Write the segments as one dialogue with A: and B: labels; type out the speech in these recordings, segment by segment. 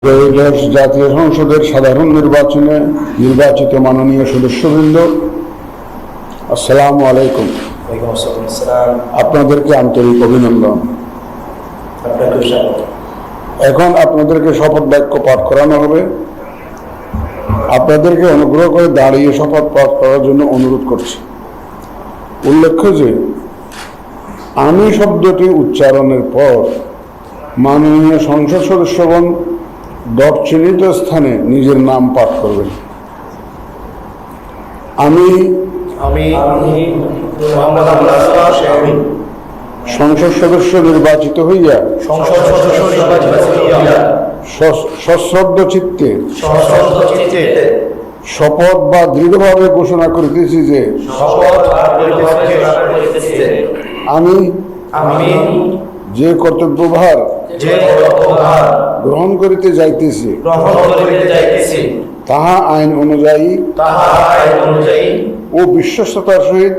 A: ত্রয়োদশ জাতীয় সংসদের সাধারণ নির্বাচনে নির্বাচিত মাননীয় সদস্যবৃন্দ, আসসালামু আলাইকুম। আপনাদেরকে আন্তরিক অভিনন্দন। এখন আপনাদেরকে শপথ বাক্য পাঠ করানো হবে। আপনাদেরকে অনুগ্রহ করে দাঁড়িয়ে শপথ পাঠ করার জন্য অনুরোধ করছি। উল্লেখ্য যে আমি শব্দটি উচ্চারণের পর মাননীয় সংসদ সদস্যগণ ডট চিহ্নিত স্থানে নিজের নাম পাঠ করবেন। আমি সংসদ সদস্য নির্বাচিত হইয়া সশ্রদ্ধ চিত্তে শপথ বা দৃঢ়ভাবে ঘোষণা করিতেছি যে আমি যে কর্তব্যভার গ্রহণ করিতে যাইতেছি তাহা আইন অনুযায়ী ও বিশ্বস্ততার সহিত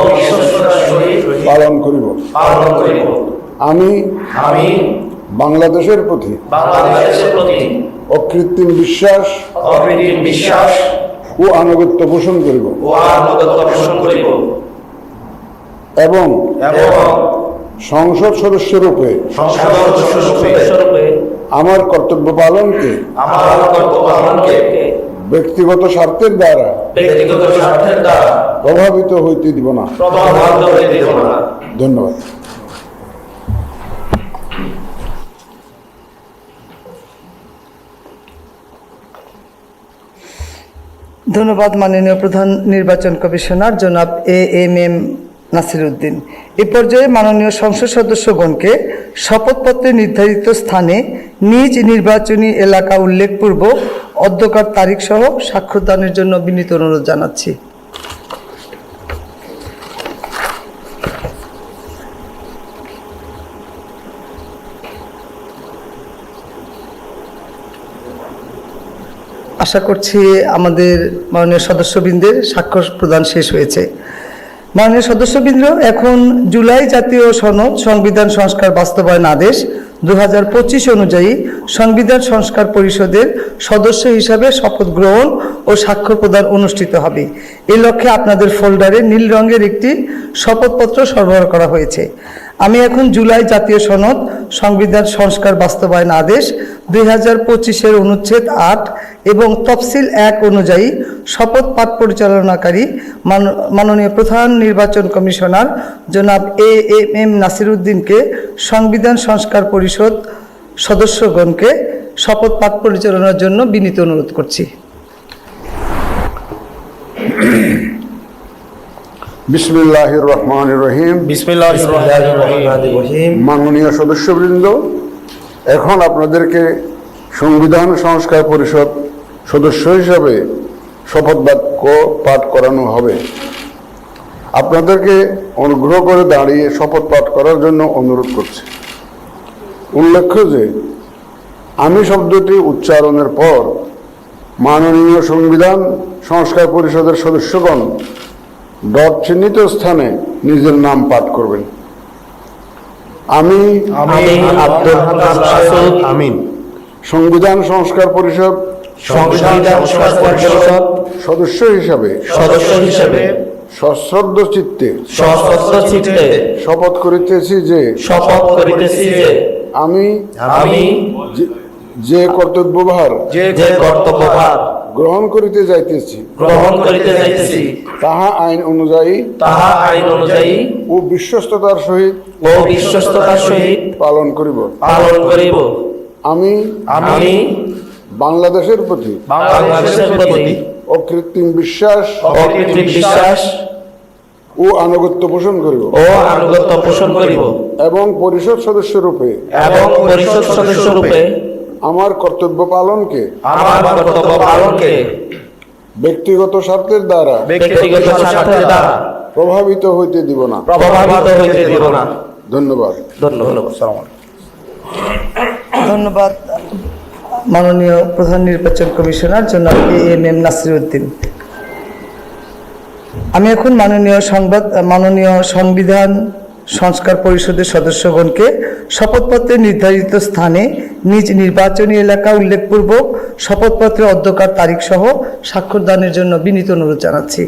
A: পালন করিব। আমি বাংলাদেশের প্রতি অকৃত্রিম বিশ্বাস ও আনুগত্য পোষণ করিব এবং সংসদ সদস্য রূপে আমার কর্তব্য পালনকে ব্যক্তিগত স্বার্থের দ্বারা প্রভাবিত হইতে দিব না। ধন্যবাদ।
B: ধন্যবাদ মাননীয় প্রধান নির্বাচন কমিশনার জনাব এএমএম নাসির উদ্দিন। এ পর্যায়ে মাননীয় সংসদ সদস্যগণকে শপথপত্রে নির্ধারিত স্থানে নিজ নির্বাচনী এলাকা উল্লেখপূর্বক অধ্যকার তারিখ সহ স্বাক্ষরদানের জন্য বিনীত অনুরোধ জানাচ্ছি। আশা করছি আমাদের মাননীয় সদস্যবৃন্দের স্বাক্ষর প্রদান শেষ হয়েছে। মাননীয় সদস্যবৃন্দ, এখন জুলাই জাতীয় সনদ সংবিধান সংস্কার বাস্তবায়ন আদেশ 2025 অনুযায়ী সংবিধান সংস্কার পরিষদের সদস্য হিসাবে শপথ গ্রহণ ও স্বাক্ষর প্রদান অনুষ্ঠিত হবে। এই লক্ষ্যে আপনাদের ফোল্ডারে নীল রঙের একটি শপথপত্র সরবরাহ করা হয়েছে। আমি এখন জুলাই জাতীয় সনদ সংবিধান সংস্কার বাস্তবায়ন আদেশ 2025-এর অনুচ্ছেদ 8 এবং তফসিল 1 অনুযায়ী শপথ পাঠ পরিচালনাকারী মাননীয় প্রধান নির্বাচন কমিশনার জনাব এএমএম নাসির উদ্দিনকে সংবিধান সংস্কার পরিষদ সদস্যগণকে শপথ পাঠ পরিচালনার জন্য বিনীত অনুরোধ করছি।
A: বিসমিল্লাহির রহমানির রহিম। মাননীয় সদস্যবৃন্দ, এখন আপনাদেরকে সংবিধান সংস্কার পরিষদ সদস্য হিসাবে শপথ বাক্য পাঠ করানো হবে। আপনাদেরকে অনুগ্রহ করে দাঁড়িয়ে শপথ পাঠ করার জন্য অনুরোধ করছি। উল্লেখ্য যে আমি শব্দটি উচ্চারণের পর মাননীয় সংবিধান সংস্কার পরিষদের সদস্যগণ ডট চিহ্নিত স্থানে নিজের নাম পাঠ করবেন। আমি সংবিধান সংস্কার পরিষদ সদস্য হিসাবে সশ্রদ্ধ চিত্তে শপথ করিতেছি যে আমি যে কর্তব্যভার গ্রহণ করিতে যাইতেছি তাহা আইন অনুযায়ী ও বিশ্বস্ততার সহিত পালন করিব। আমি বাংলাদেশের প্রতি অকৃত্রিম বিশ্বাস ও আনুগত্য পোষণ করিব এবং পরিষদ সদস্য রূপে আমার কর্তব্য পালনকে ব্যক্তিগত স্বার্থের দ্বারা প্রভাবিত হইতে দিব না। ধন্যবাদ।
B: ধন্যবাদ মাননীয় প্রধান নির্বাচন কমিশনার জনাব এএমএম নাসির উদ্দিন। আমি এখন মাননীয় সংবিধান সংস্কার পরিষদের সদস্যগণকে শপথপত্রে নির্ধারিত স্থানে নিজ নির্বাচনী এলাকা উল্লেখপূর্বক শপথপত্রের অধ্যকার তারিখ সহ স্বাক্ষর দানের জন্য বিনীত অনুরোধ জানাচ্ছি।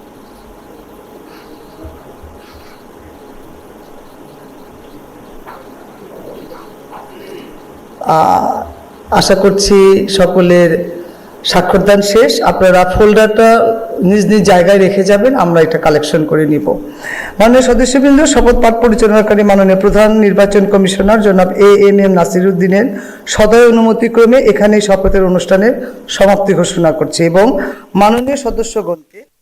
B: আশা করছি সকলের স্বাক্ষরদান শেষ। আপনারা ফোল্ডারটা নিজ নিজ জায়গায় রেখে যাবেন, আমরা এটা কালেকশন করে নিব। মাননীয় সদস্যবৃন্দ, শপথ পাঠ পরিচালনাকারী মাননীয় প্রধান নির্বাচন কমিশনার জনাব এএমএম নাসিরউদ্দিনের সদয় অনুমতিক্রমে এখানেই শপথের অনুষ্ঠানের সমাপ্তি ঘোষণা করছি এবং মাননীয় সদস্যগণকে